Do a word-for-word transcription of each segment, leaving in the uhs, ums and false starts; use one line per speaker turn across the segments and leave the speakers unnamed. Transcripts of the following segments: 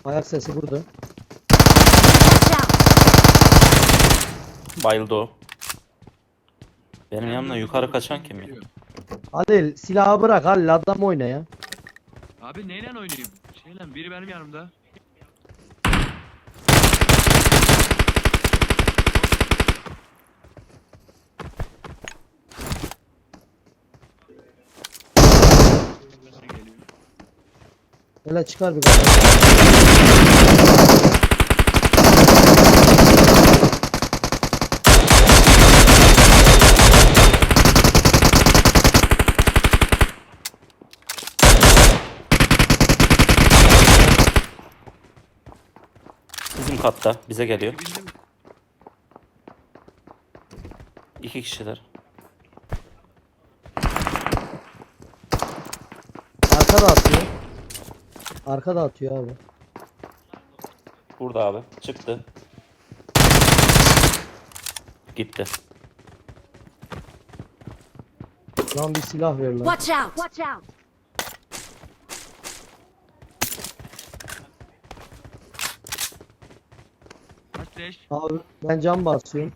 Ayak sesi burada.
Watch out!
Bayıldı o. Benim yanımda yukarı kaçan kim ya?
Halil silahı bırak Halil, adam oyna ya.
Abi neyle oynayayım? Şeyle biri benim yanımda. Geliyor.
Hele çıkar bir kadar.
Bizim katta bize geliyor.
Bildim.
İki kişiler.
Arkada atıyor. Arkada atıyor abi.
Burada abi. Çıktı. Gitti.
Lan bir silah ver lan.
Watch out! Watch out!
Kaç leş?
Abi ben cam basıyorum.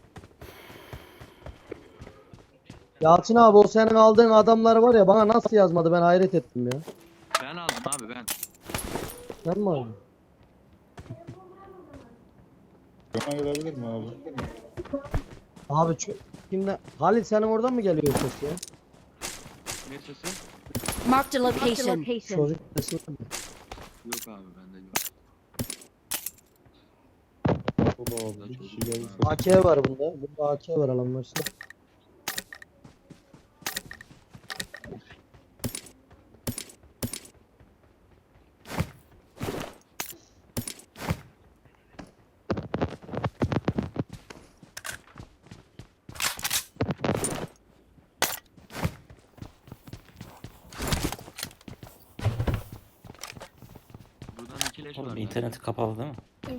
Yalçın abi, o senin aldığın adamlar var ya, bana nasıl yazmadı, ben hayret ettim ya.
Ben aldım abi ben.
Sen mi aldın?
Bana gelebilir mi abi?
Abi şu kimde? Halil senin oradan mı geliyor ses ya?
Ne sesi?
Marked a location.
Çocuk sesi var mı?
Yok abi bende yok.
Baba abi bir kişi geldi.
A K var bunda. Bunda A K var, alan varsa.
Buradan iki leş
Oğlum
var.
interneti kapalı değil mi?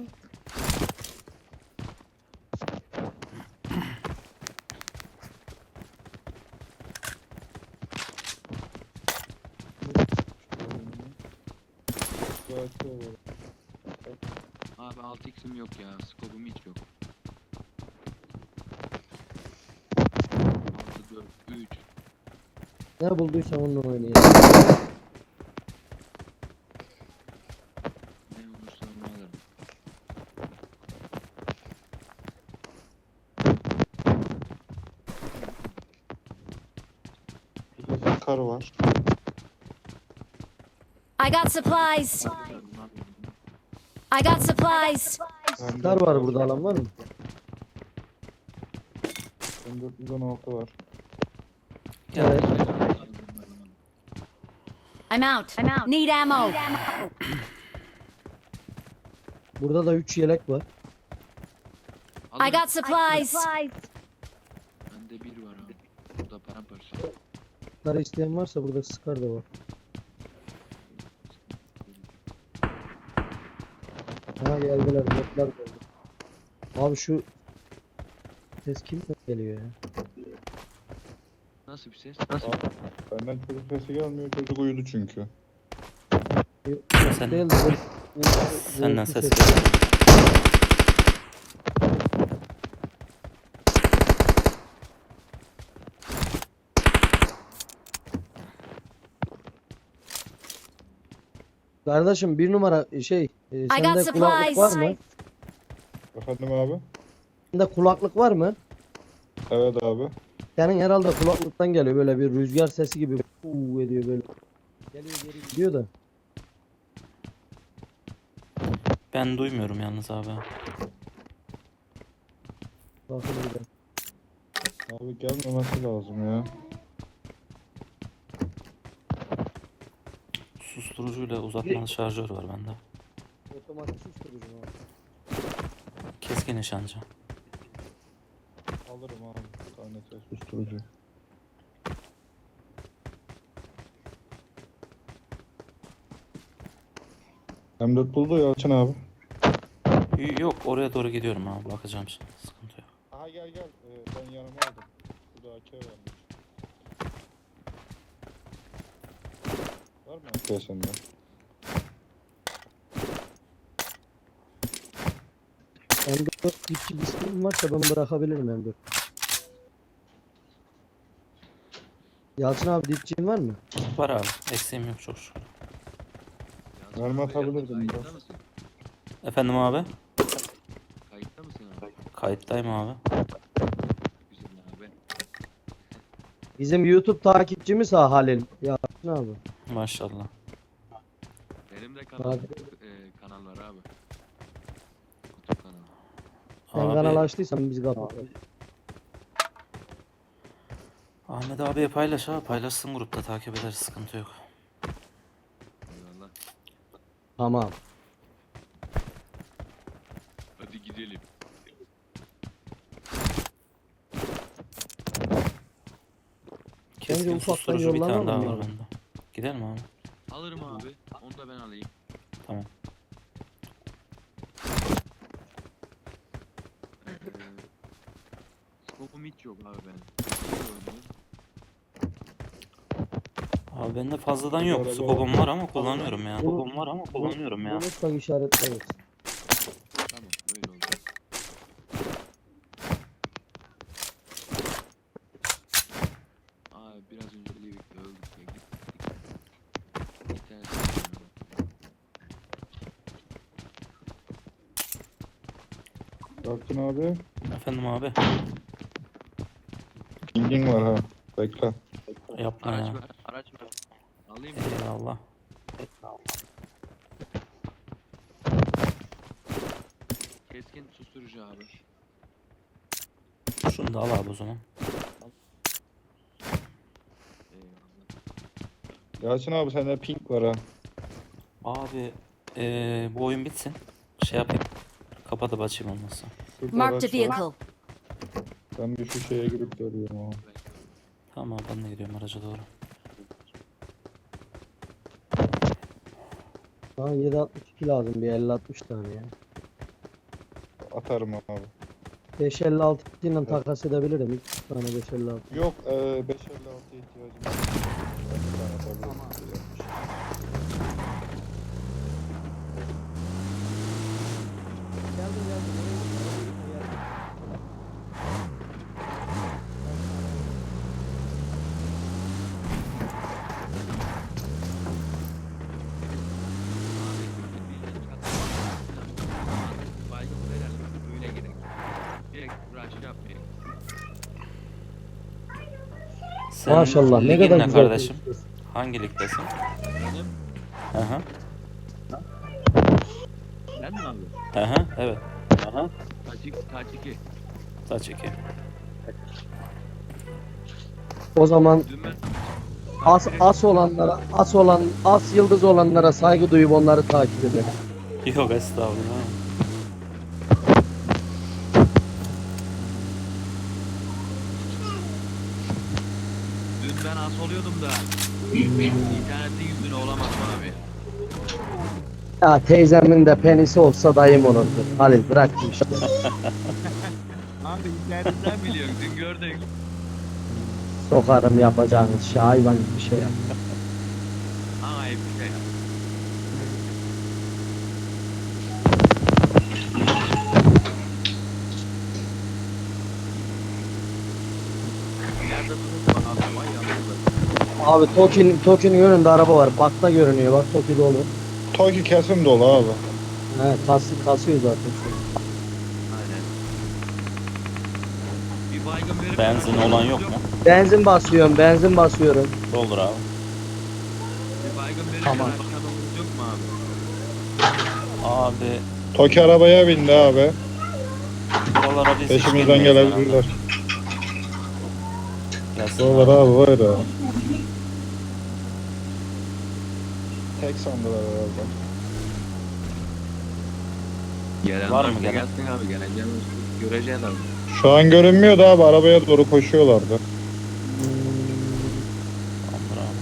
Bu açıyor var.
Abi altı x'im yok ya. Skopum hiç yok. altı, dört, üç.
Ne bulduysan onunla oynayayım.
Ne olursa onu alırım.
Burada kar var.
I got supplies. I got supplies.
Hem
Kar var burada, alan var mı?
dört yüz on altı var.
Evet.
I'm out. I'm out. Need ammo.
Burada da üç yelek var.
I got supplies.
Bende bir var abi. Burada paramparça.
Kar isteyen varsa burada sıkar da var. Ha geldiler, botlar geldi. Abi şu ses kimden geliyor ya?
Nasıl bir ses? Nasıl?
Abi, benden çocuk sesi gelmiyor. Çocuk uyudu çünkü.
Yok,
Sen-
değil de böyle-
Senden
böyle
ses
ses-
geliyor.
Kardeşim bir numara şey, e,
I got
sende kulaklık var mı?
supplies.
Efendim abi?
Sende kulaklık var mı?
Evet abi.
Senin herhalde kulaklıktan geliyor, böyle bir rüzgar sesi gibi uuu ediyor böyle. Geliyor geri gidiyor da.
Ben duymuyorum yalnız abi.
Bakın bir de.
Abi gelmemesi lazım ya.
Susturucuyla uzatmalı şarjör var bende.
Otomatik susturucu mu abi?
Keskin nişancı.
Alırım abi. Bir tane ses susturucu. M dört buldu Yalçın abi.
Y- Yok oraya doğru gidiyorum abi, bakacağım şimdi, sıkıntı yok.
Aha gel gel. Ee, ben yanıma aldım. Burada A K varmış. Var mı A K sende?
M dört dipçi bir sıkıntım varsa ben bırakabilirim M dört. Yalçın abi dipçin var mı?
Var abi. Eksiğim yok çok şükür.
Yalçın
Mermi
abi,
atabilirdim
Kayıtta
biraz.
mısın?
Efendim abi?
Kayıtta mısın abi?
Kayıttayım abi.
Güzel abi.
Bizim YouTube takipçimiz ha Halil. Yalçın abi.
Maşallah.
Benim de kanal,
Abi.
e, kanal var abi. YouTube kanalı.
Sen
Abi,
kanal açtıysan biz kapat.
Ahmet abiye paylaş abi. Paylaşsın grupta takip ederiz. Sıkıntı yok.
Eyvallah.
Tamam.
Hadi gidelim.
Keskin
ufaktan
susturucu bir tane
yollanalım
daha
mı
var
abi?
bende. Gidelim abi.
Alırım abi. Onu da ben alayım.
Tamam.
Ee, Scope'um hiç yok abi benim.
Abi bende fazladan
Bir
yok.
araba
Skopum var ama kullanıyorum ya.
Bunu-
Skopum var ama kullanıyorum ya.
Unutmak işaretleriz.
Tamam öyle oldu. Abi biraz önce Livik'te öldük ya gittik. İnternet kullanıyorum.
Yalçın abi.
Efendim abi.
Pingin var ha. Bekle.
Yapma
Araç
ya.
ver, araç ver. Alayım mı?
Eyvallah.
Keskin susturucu abi.
Şunu da al abi o zaman.
Eyvallah.
Yalçın abi sende ping var ha.
Abi eee, bu oyun bitsin. Şey yapayım. Kapatıp açayım olmazsa.
Şurada
Marked a
araç var.
vehicle.
Ben bir şu şeye girip geliyorum abi.
Tamam abi, ben de gidiyorum araca doğru.
Bana yedi altmış iki lazım bir elli altmış tane ya.
Atarım abi.
beş elli altı ile takas edebilirim. iki tane beş elli altı.
Yok e, beş elli altıya ihtiyacım var. Ben bir tane atabilirim.
Geldim geldim.
Baygın verelim. Böyle gidelim. Direkt rush yapmayalım.
Sen
Maşallah ne
ligin
kadar
ne
güzel.
kardeşim?
konuşuyorsun.
Hangi ligdesin?
Benim.
Hı hı.
Ben mi abi?
Hı hı. Evet. Aha.
Kaçık, kaç iki.
Saç iki.
O zaman
Dün ben...
as as olanlara, as olan, as yıldız olanlara saygı duyup onları takip edelim.
Yok estağfurullah.
Dün ben as oluyordum da internetin yüzüne olamadım abi.
Ya teyzemin de penisi olsa dayım olurdu. Halil bırak bu işi.
Abi internetten biliyorsun dün gördük.
Sokarım yapacağınız şey hayvan gibi bir şey yap.
Ama hep bir şey. Nerede tutulma abi? Vay yalnız.
Abi Toki'nin Toki'nin önünde araba var. Bakta görünüyor. Bak Toki dolu.
Toki kesim dolu abi.
He kas, kasıyor zaten.
Aynen. Bir baygın verip
Benzin olan yok mu?
Benzin basıyorum, benzin basıyorum.
Doldur abi.
Bir baygın verip
Tamam.
aşağıda yok mu abi?
Abi
Toki arabaya bindi abi.
buralara biz hiç
Peşimizden
bilmeyiz
gelebilirler.
herhalde. Gelsin
Buralar
abi.
abi var ya. Tek sandılar herhalde.
Gelen
Var mı
varsa
gelen?
gelsin abi geleceğim. Göreceğiz abi.
Şu an görünmüyordu abi, arabaya doğru koşuyorlardı.
Tamamdır abi.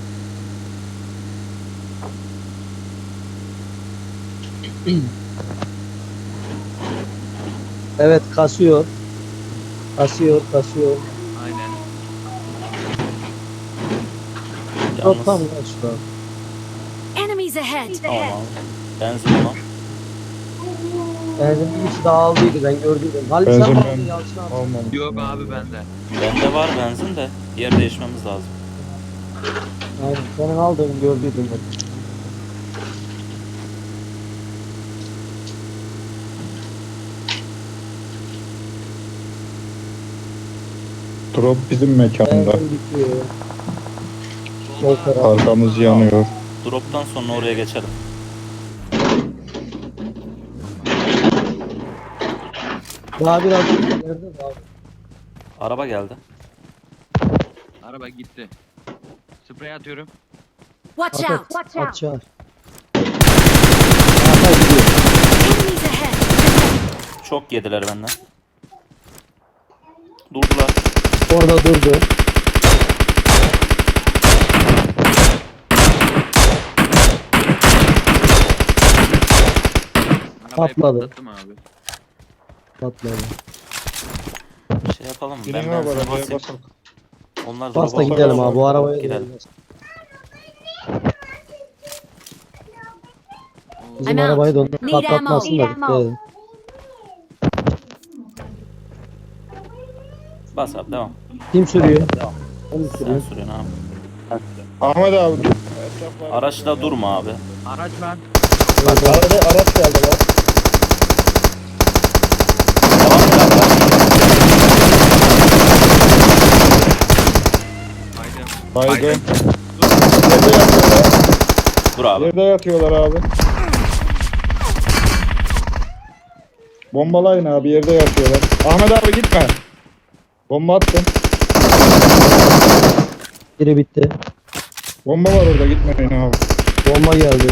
Evet kasıyor. Kasıyor, kasıyor.
Aynen.
Yok
Yalnız
tam kaçtı.
Enemies ahead.
tamam abi. Benzin olan.
Benzin bir kişi daha aldıydı ben gördüydüm. Halit sen
Benzin
mi
ben-
aldın Yalçın abi?
Almamış.
Yok abi bende.
Bende var benzin de yer değişmemiz lazım.
Aynen senin aldığını gördüydüm ben.
Drop bizim mekanda.
Benzin bitiyor. Sol taraf.
Arkamız yanıyor.
Drop'tan sonra oraya geçelim.
Daha biraz ileride de abi.
Araba geldi.
Araba gitti. Sprey atıyorum.
Watch
At
out!
at.
Watch
At
out!
çağır. Arka gidiyor.
Enemies ahead!
Çok yediler benden. Durdular.
Orada durdu.
Arabayı
Patladı.
patlattım abi.
Patladı.
Şey yapalım mı?
Binin
Ben
abi
benzin
arabaya
basayım.
basalım.
Onlar
Bas da
drop'a
gidelim
bakıyor.
abi bu arabaya
Gidelim.
gidelim. Bizim
I'm out.
arabayı da onlar
Need
patlatmasın da
ammo.
dikkat edin.
Bas abi devam.
Kim sürüyor? Ben mi
Sen
sürüyorum?
sürüyorsun abi.
Ahmet abi dur. Etraflar-
Araçla durma abi.
Araç var.
Arada araç geldi lan.
Devam et abi.
Haydi.
Haydi.
Haydi.
Yerde yatıyorlar.
Dur abi.
Yerde yatıyorlar abi. Bombalayın abi yerde yatıyorlar. Ahmet abi gitme. Bomba attım.
Biri bitti.
Bomba var orada gitmeyin abi.
Bomba geldi.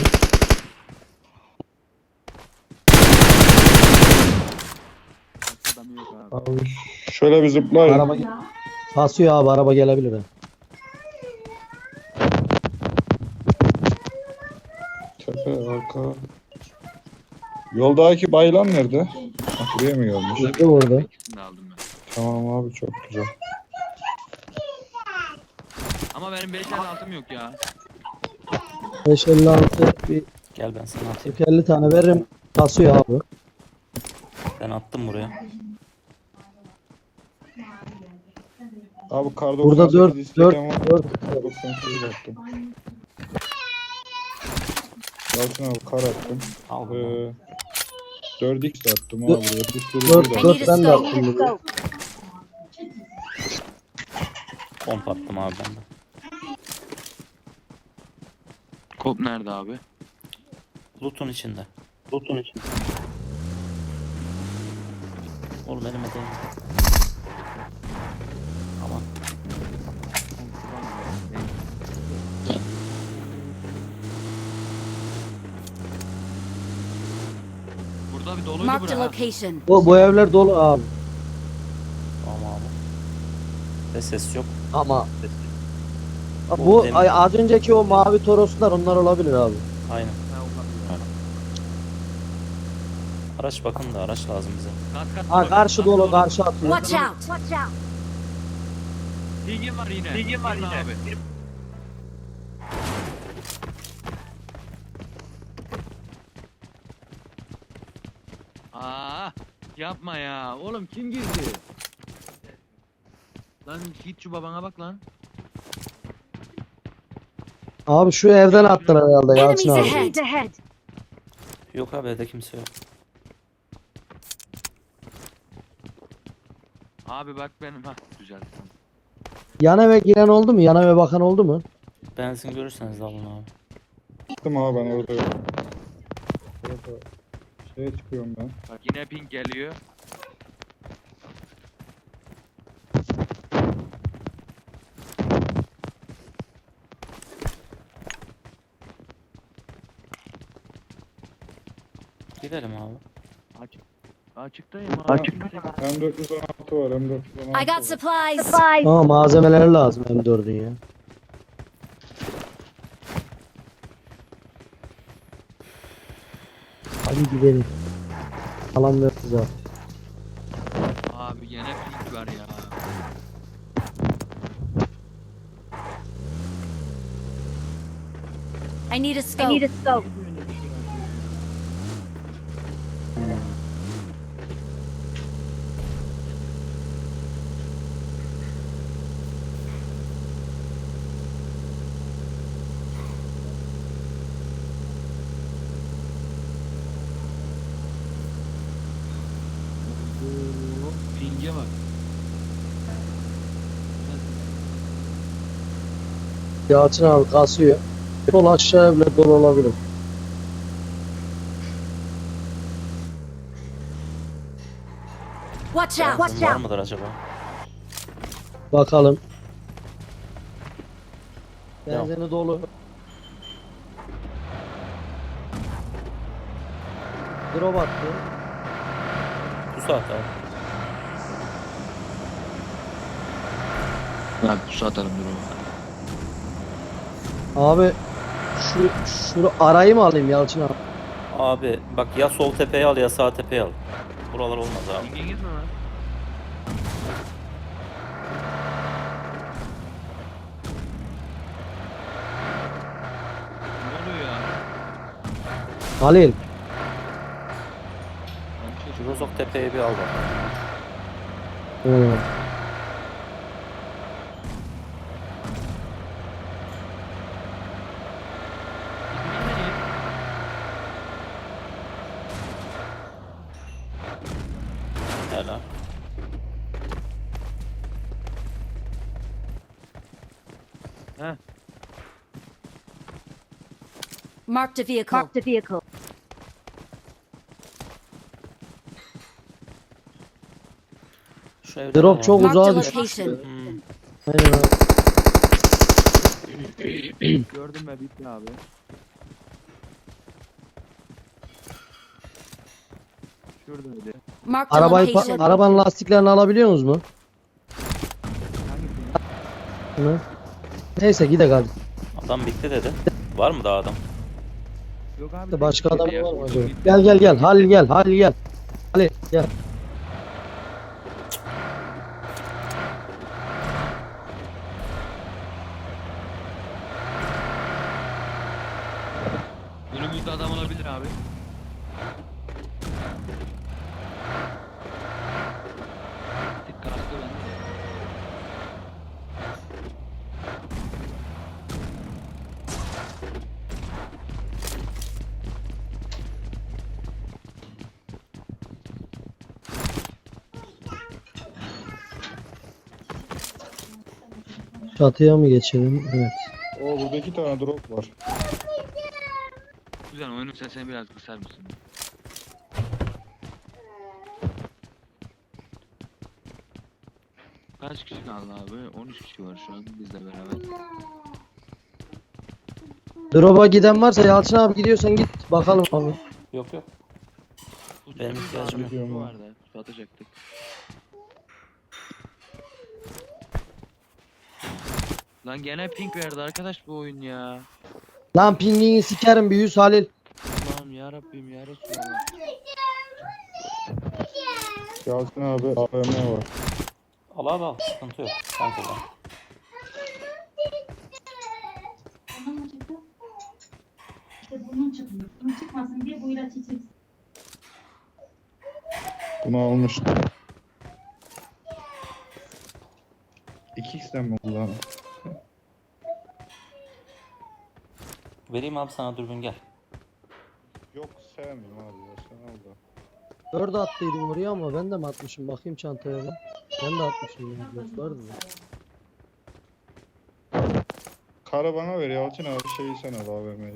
Adam yok abi.
Abi,
Şöyle bir zıplayın.
araba basıyor abi araba gelebilir ha.
Tepe arka. Yoldaki bayılan nerede? Ha, buraya mı gelmiş?
Gitti burada.
İkisini de aldım ben.
Tamam abi çok güzel.
Ama benim beş el altım yok ya.
beş elli altı bir
Gel ben sana atayım.
kırk elli tane veririm. Basıyor abi.
Ben attım buraya.
Abi kar
Burada
doksan
dört
sekiz
dört
isteyen var.
dört.
doksan sekiz attım. Yalçın abi kar attım.
Al bunu.
Ee, dört x attım abi
Dört-
buraya. Bir sürü
dört-
bir
I
de-
need
dört
a
ben de
scope.
attım bunu.
Pomp attım abi ben de.
Kop nerede abi?
Loot'un içinde. Loot'un içinde. Oğlum elime değme. Aman.
Burada bir doluydu
Marked a
bura. ha.
location.
Bu, bu evler dolu abi.
Tamam abi. Ve ses yok.
Ama
Bu
bu
demir-
ay, az önceki o mavi toroslar onlar olabilir abi.
Aynen.
Ha, olabilir.
Araç bakın da araç lazım bize.
Kat kat.
Ha
bak,
karşı
kat
dolu
dolu.
karşı atıyor.
Watch out! Watch out!
Bilgin var yine. Bilgin var yine. Abi. Aa, yapma ya. Oğlum kim girdi? Lan git şu babana bak lan.
Abi şu evden attılar herhalde Yalçın
Enemies
abi.
ahead! ahead.
Yok abi evde kimse yok.
Abi bak benim ha güzel.
Yan eve giren oldu mu? Yan eve bakan oldu mu?
Benzin görürseniz alın abi.
Attım abi ben orada. Orada şeye çıkıyorum ben.
Bak yine ping geliyor.
Gidelim abi.
Açık. Açıktayım abi.
M dört yüz on altı var M dört yüz on altı
I got
var.
supplies.
Ama malzemeleri lazım M dördün ya. Hadi gidelim. Alan ver kıza.
Abi gene ping var ya.
I need a scope. I need a scope.
Yalçın abi kasıyor. Sol aşağıya bile dolu olabilir.
Watch out!
Benzin
Watch
var
out!
mıdır acaba?
Bakalım.
Devam.
Benzini dolu. Drop attı.
Pusu at abi.
Abi pusu atarım dur o.
Abi şu şunu arayı mı alayım Yalçın abi?
Abi bak ya sol tepeye al ya sağ tepeye al. Buralar olmaz abi.
Ping'e gitme lan. Ne oluyor ya?
Halil.
Ben çok-
Rozok tepeye bir al bak.
Hı.
Helal.
Heh.
Marked a vehicle. Marked a vehicle.
Şu evde
Drop
var.
çok
Marked a
uzağa düştü.
location.
Hmm.
Aynen abi.
Gördüm ben bitti abi. Şurada öyle.
Marked a
Arabayı pa-
location.
arabanın lastiklerini alabiliyor musunuz mu?
Hangisini?
Hı. Neyse gidelim hadi.
Adam bitti dedi. Var mı daha adam?
Yok abi.
İşte başka
tek
adam
bir
var mı
yer.
acaba? Gel gel gel. Halil gel. Halil gel. Halil gel.
Önümüzde adam olabilir abi. Tek kastı bende de.
Çatıya mı geçelim? Evet.
O burada iki tane drop var.
Güzel, oyunun sesini biraz kısar mısın? Kaç kişi kaldı abi? on üç kişi var şu an bizle beraber.
Drop'a giden varsa Yalçın abi gidiyorsan git. Bakalım abi.
Yok yok.
Bu
Benim
çocuk
ihtiyacım
abi,
yok.
bu vardı. Su atacaktık. Lan gene pink verdi arkadaş bu oyun ya.
Lan pingini sikerim bir yüz Halil.
Allah'ım ya Rabbim ya Resulallah.
Yalçın abi A V M var.
Al abi al. Sıkıntı yok. Sen kullan.
İşte burnun çıkmıyor. Burnun çıkmasın diye bu ilaç içeceksin.
Bunu almıştım. iki x'ten mi kullanım?
Vereyim abi sana dürbün gel.
Yok sevmiyorum abi ya sen al da.
Dört attıydım oraya ama ben de mi atmışım? Bakayım çantaya ben. Ben de atmışım ya. Dört vardı da.
Karı bana ver Yalçın abi şeyi sen al A V M'yi.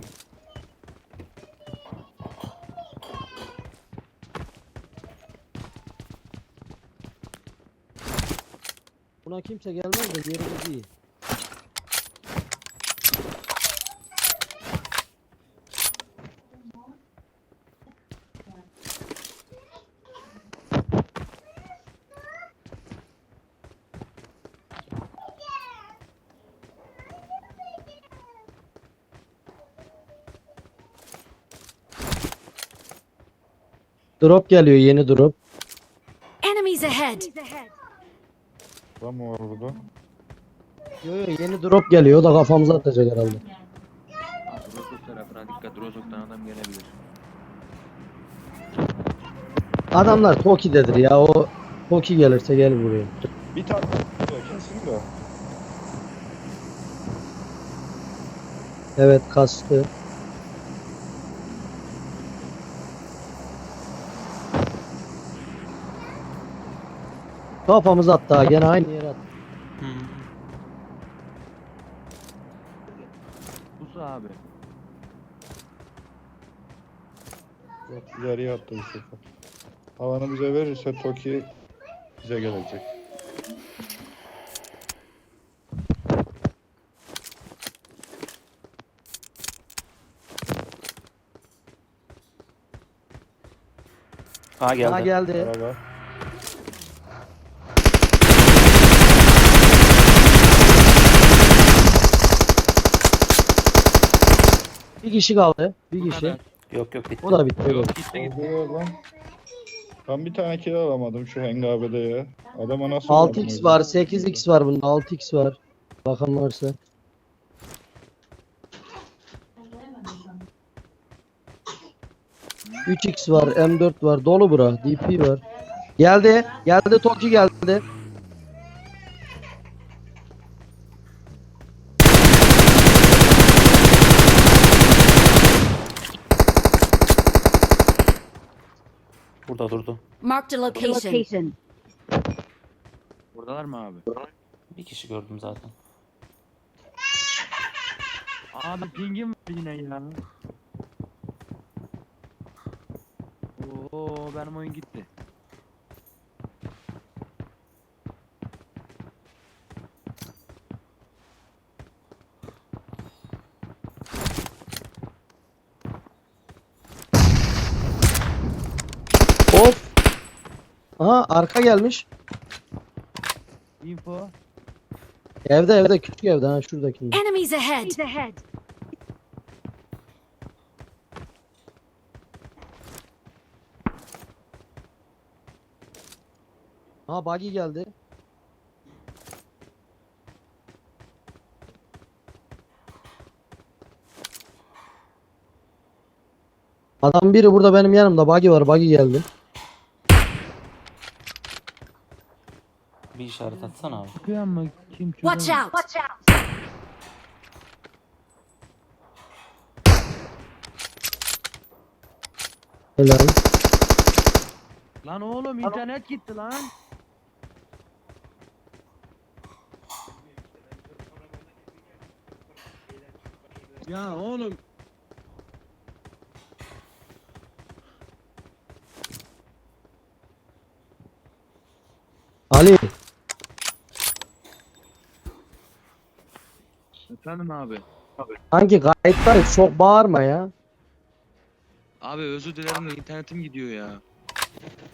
Buna kimse gelmez de yerimiz iyi. Drop geliyor, yeni drop.
Enemies ahead.
Var mı var burada?
Yo yo, yeni drop geliyor, o da kafamıza atacak herhalde.
Abi Rozok tarafına dikkat, Rozok'tan adam gelebilir.
Adamlar Toki'dedir ya, o Toki gelirse gel buraya.
Bir tane ya kesin de.
Evet, kastı. Kafamıza attı ha, gene aynı yere attı.
Hmm.
pusu abi.
Yok, ileriye attı bu sefer. Alanı bize verirse Toki bize gelecek.
Aa geldi.
Ha geldi.
Araba.
Bir kişi kaldı. Bir
Bu
kişi.
kadar.
Yok yok bitti.
O da bitti. o da
Yok
bitti.
gitti gitti.
Oluyor lan. Ben bir tane kill alamadım şu hengabede ya. Adama nasıl
altı
vurdum
x
öyle?
var, sekiz x var bunda. altı x var. Bakan varsa. üç x var, M dört var. Dolu bura. D P var. Geldi. Geldi. Toki geldi.
Burada durdu.
Marked a location.
Buradalar mı abi?
Bir kişi gördüm zaten.
Abi pingim var yine ya. Oo benim oyun gitti.
Of. Aha arka gelmiş.
Info.
Evde evde küçük evde ha şuradaki.
Enemies ahead.
Ha buggy geldi. Adam biri burada benim yanımda. Buggy var. Buggy geldi.
Bir işaret atsana abi.
Çıkıyor mu? Kim
Watch
çözemez.
out.
Helal.
Lan oğlum internet gitti lan. Ya oğlum.
Ali.
Efendim abi.
Sanki kayıttayız. Çok bağırma ya.
Abi özür dilerim de internetim gidiyor ya.